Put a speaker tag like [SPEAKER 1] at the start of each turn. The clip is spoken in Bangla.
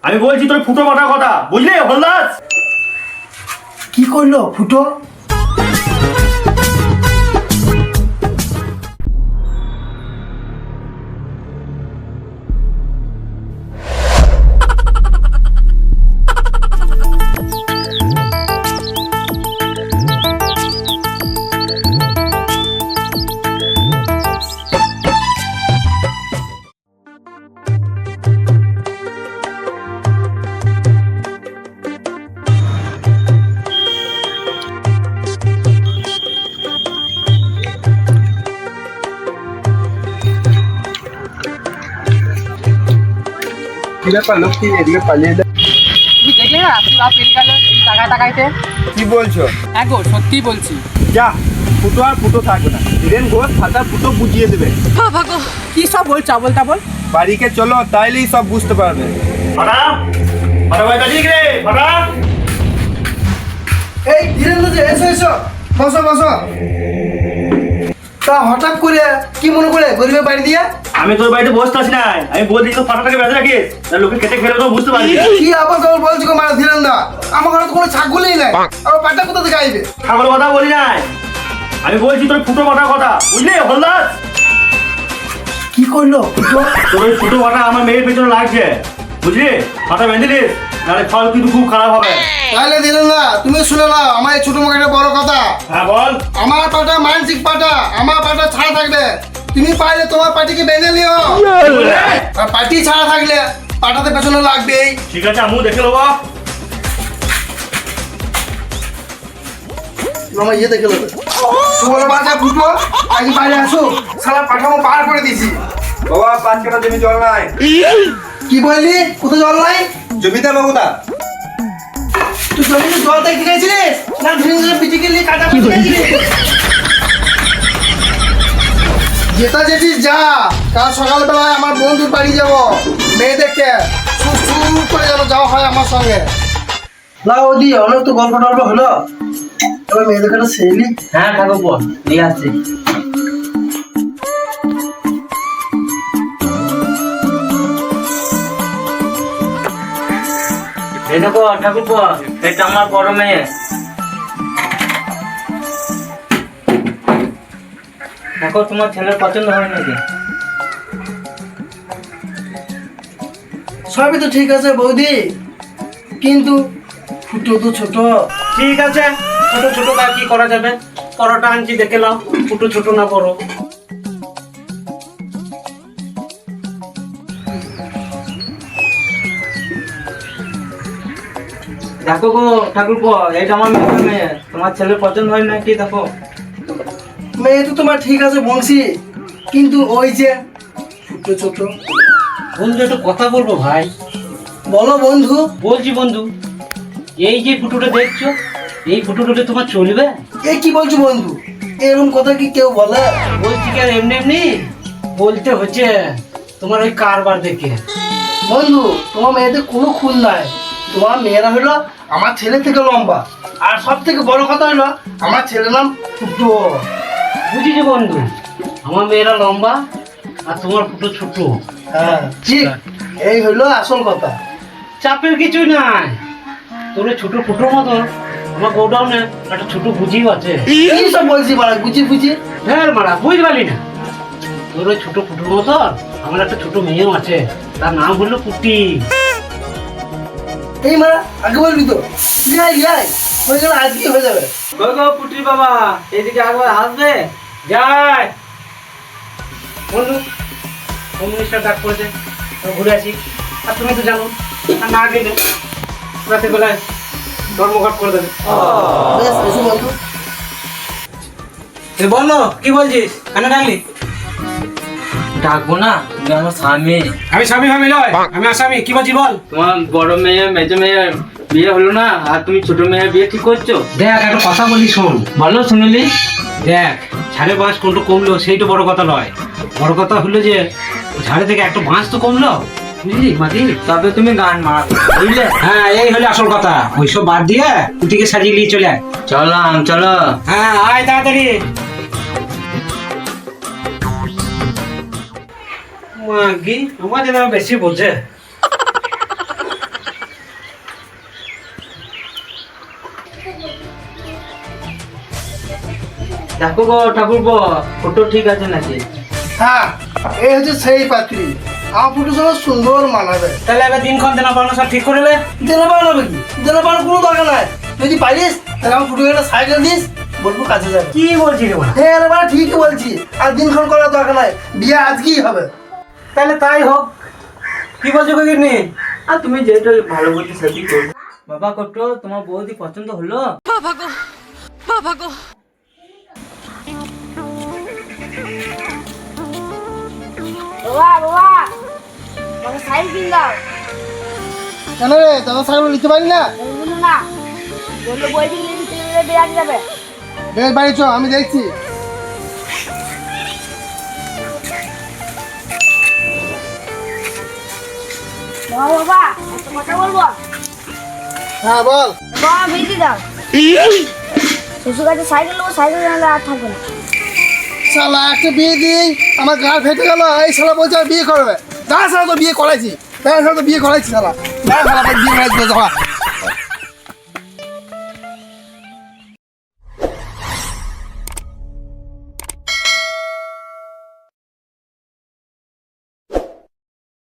[SPEAKER 1] আমি বলছি তোর ফুটো মাথার কথা, বুঝলি হলদাস?
[SPEAKER 2] কি করলো ফুটো?
[SPEAKER 3] কি ব্যাপার লক্ষ্মী, এদিকে পালিয়ে এলে?
[SPEAKER 4] তুমি দেখলে না তুই পেরিয়ে গেল এই টাকা টাকাইতে।
[SPEAKER 3] কি বলছো?
[SPEAKER 4] হ্যাঁ গো সত্যি বলছি।
[SPEAKER 3] যা, ফুটো আর ফুটো থাকবে না। ধীরেন ঘোষ খাতা ফুটো বুঝিয়ে দেবে।
[SPEAKER 4] বাবা গো কি সব বলছো আবল তাবল।
[SPEAKER 3] বাড়িকে চলো, তাইলেই সব বুঝতে পারবে।
[SPEAKER 1] ফাটা ফাটা ভাই কাজী রে ফাটা।
[SPEAKER 2] এই ধীরেন্দ্র যে এসো এসো, বসো বসো। তা হঠাৎ করে কি মনে করে গরিবের বাড়ি দিয়ে?
[SPEAKER 1] আমি তোর বাড়িতে বসতে আছি না, আমি বলছি তো ফাটাটাকে বেঁধে রাখিস, লোকে কেটে ফেলে তো বুঝতে পারবি।
[SPEAKER 2] কি আবার কেবল বলছো গো মানে ধীরেন্দ্র? আমার ঘরে তো কোনো ছাগলই নাই, আমার পাটা কোথা থেকে আইবে?
[SPEAKER 1] ছাগল কথা বলি নাই, আমি বলছি তোর ফুটো মাথার কথা, বুঝলি হলদাস?
[SPEAKER 2] কি করলো ফুটো?
[SPEAKER 1] তোর ওই ফুটো মাথা আমার মেয়ের পেছনে লাগছে, বুঝলি? মাথা বেঁধে দিস, নাহলে ফল কিন্তু খুব খারাপ হবে।
[SPEAKER 2] তাহলে ধীরেন্দ্র তুমি শুনে নাও আমার এই ছোট মুখে একটা বড় কথা।
[SPEAKER 1] হ্যাঁ বল।
[SPEAKER 2] আমার পাটা মানসিক পাটা, আমার পাটা ছাড়া থাকবে। তুমি পারলে তোমার পাটিকে বেঁধে নিও, আর পাটি ছাড়া থাকলে পাটাতে পেছনে লাগবেই।
[SPEAKER 1] ঠিক আছে, আমিও দেখে নেবো।
[SPEAKER 2] আমার ইয়ে দেখে নেবে। তোমার বাচ্চা ফুটো আজ বাইরে আসো, সালা পাঠামো পার করে দিছি।
[SPEAKER 3] বাবা 5 কাঠা জমি জল নাই।
[SPEAKER 2] কি বললি? কোথায় জল নাই?
[SPEAKER 3] জমিতে বাবুদা
[SPEAKER 2] তুই জমিতে জল দেখতে গেছিলিস না ধীরে পিটিকে নিয়ে কাটা পিটি গেছিলিস? যেটা যেছিস যা, কাল সকালবেলায় আমার বন্ধুর বাড়ি যাবো মেয়ে দেখতে, সুর করে যেন যাওয়া হয় আমার সঙ্গে। না ওদি অনেক তো গল্প টল্প হলো, এবার মেয়ে দেখাটা সেইলি।
[SPEAKER 4] হ্যাঁ ঠাকুর নিয়ে আসছি। এই দেখো ঠাকুর এটা আমার বড় মেয়ে। দেখো তোমার ছেলের পছন্দ হয় নাকি?
[SPEAKER 2] সবই তো ঠিক আছে বৌদি, কিন্তু ফুটো তো ছোট।
[SPEAKER 4] ঠিক আছে, ছোট ছোট কাজ কি করা যাবে? পরোটা আনছি দেখে নাও, ছোট ছোট না বড়। দেখো গো ঠাকুর এটা আমার মেয়ে, তোমার ছেলের পছন্দ হয় নাকি দেখো।
[SPEAKER 2] মেয়ে তো তোমার ঠিক আছে বংশী, কিন্তু ওই যে ফুটো ছোট।
[SPEAKER 4] বন্ধু একটু কথা বলবো ভাই।
[SPEAKER 2] বলো বন্ধু।
[SPEAKER 4] বলছি বন্ধু, এই যে ফুটোটা দেখছো, এই ফুটোটা তোমার চলবে?
[SPEAKER 2] এ কি বলছো বন্ধু? এরকম কথা কি কেউ বলে?
[SPEAKER 4] বলছি কি আর এমনি এমনি বলতে হচ্ছে, তোমার ওই কারবার দেখে।
[SPEAKER 2] বন্ধু তোমার মেয়েদের কোনো খুন নাই, তোমার মেয়েরা হলো আমার ছেলে থেকে লম্বা, আর সব থেকে বড় কথা হলো আমার ছেলের নাম ফুটো।
[SPEAKER 4] বুঝেছি বন্ধু, আমার মেয়েরা লম্বা আর তোমার ফুটো ছোট।
[SPEAKER 2] হ্যাঁ ঠিক, এই হলো আসল কথা।
[SPEAKER 4] চাপের কিছুই নাই, তোর ওই ছোট ফুটোর মতন আমার গোডাউনে একটা ছোট বুঝিও আছে।
[SPEAKER 2] কি সব বলছি মারা গুছি ফুচি?
[SPEAKER 4] হ্যাঁ মারা বুঝতে পারলি না? তোর ওই ছোট ফুটোর মতন আমার একটা ছোট মেয়েও আছে, তার নাম হলো পুটি।
[SPEAKER 2] এই মারা আগে বলবি তো, ইয়াই ইয়াই হয়ে গেলে আজকে হয়ে যাবে।
[SPEAKER 4] গো পুটির বাবা এদিকে একবার আসবে। যাই বন্ধু, হোম মিনিস্টার ডাক করেছে, ঘুরে আসি। আর তুমি তো জানো, আর না গেলে রাতে বেলায় ধর্মঘট করে দেবে।
[SPEAKER 2] বেশ এসো বন্ধু।
[SPEAKER 4] বলো কি বলছিস, কেন ডাকলি?
[SPEAKER 5] ডাকবো না, তুমি আমার স্বামী।
[SPEAKER 4] আমি স্বামী ভাবি নয়, আমি আসামি। কি বলছি বল?
[SPEAKER 5] তোমার বড় মেয়ে মেজো মেয়ে বিয়ে হলো না, আর তুমি ছোট মেয়ের বিয়ে ঠিক করছো?
[SPEAKER 4] দেখ একটা কথা বলি শোন।
[SPEAKER 5] বলো শুনলি।
[SPEAKER 4] দেখ ঝাড়ে বাঁশ কোনটা কমলো সেইটা বড় কথা নয়, বড় কথা হলো যে ঝাড়ে থেকে একটা বাঁশ তো কমলো, বুঝলি মাটি?
[SPEAKER 5] তবে তুমি গান মার, বুঝলে?
[SPEAKER 4] হ্যাঁ এই হলো আসল কথা, ওইসব বাদ দিয়ে কুটিকে সাজিয়ে নিয়ে চলে আয়।
[SPEAKER 5] চলো।
[SPEAKER 4] হ্যাঁ আয় তাড়াতাড়ি। মাগি আমার যেন বেশি বোঝে।
[SPEAKER 5] দেখো গো ঠাকুরপো, ফটো ঠিক আছে নাকি?
[SPEAKER 2] হ্যাঁ, এই হচ্ছে সেই পাত্রী। আমার ফুটোর সঙ্গে সুন্দর মানাবে।
[SPEAKER 4] তাহলে এবার দিনক্ষণ দেনা পাওনা সব ঠিক করে নে।
[SPEAKER 2] দেনা পাওয়ানো কি? দেনা পাওয়ানোর কোনো দরকার নাই। যদি পারিস তাহলে আমার ফুটোকে একটা সাইকেল দিস, বলবো কাছে যাবে।
[SPEAKER 4] কি বলছি রে বলা?
[SPEAKER 2] হ্যাঁ রে বাড়া, ঠিকই বলছি। আর দিনক্ষণ করার দরকার নাই, বিয়ে আজকেই হবে।
[SPEAKER 4] তাহলে তাই হোক। কি বলছো কিডনি?
[SPEAKER 5] আর তুমি যেটা ভালো বলছো সেটাই করো। বাবা কট্টো, তোমার বৌদি পছন্দ হলো?
[SPEAKER 6] বাবা বাবা আমাকে সাইকেল কিনে দাও।
[SPEAKER 2] কেন রে, দাদা সাইকেল নিতে পারি না?
[SPEAKER 6] বলবো না, বললো বই দিলে নিতে বেড়াতে যাবে।
[SPEAKER 2] বেশ বাড়ি চ, আমি দেখছি।
[SPEAKER 6] বাবা বাবা একটা কথা বলবো।
[SPEAKER 2] হ্যাঁ বল।
[SPEAKER 6] বাবা বিয়ে দাও। শ্বশুর কাছে সাইকেল নেবো, সাইকেল নিলে আর থাকবে না।
[SPEAKER 2] শালা একটা বিয়ে দিই, আমার গা ফেটে গেল। এই শালা বলছে আর বিয়ে করবে। দাঁড়া শালা, তো বিয়ে করাইছি। দাঁড়া শালা, তো বিয়ে করাইছি শালা। দাঁড়া শালা, বিয়ে করাইছি।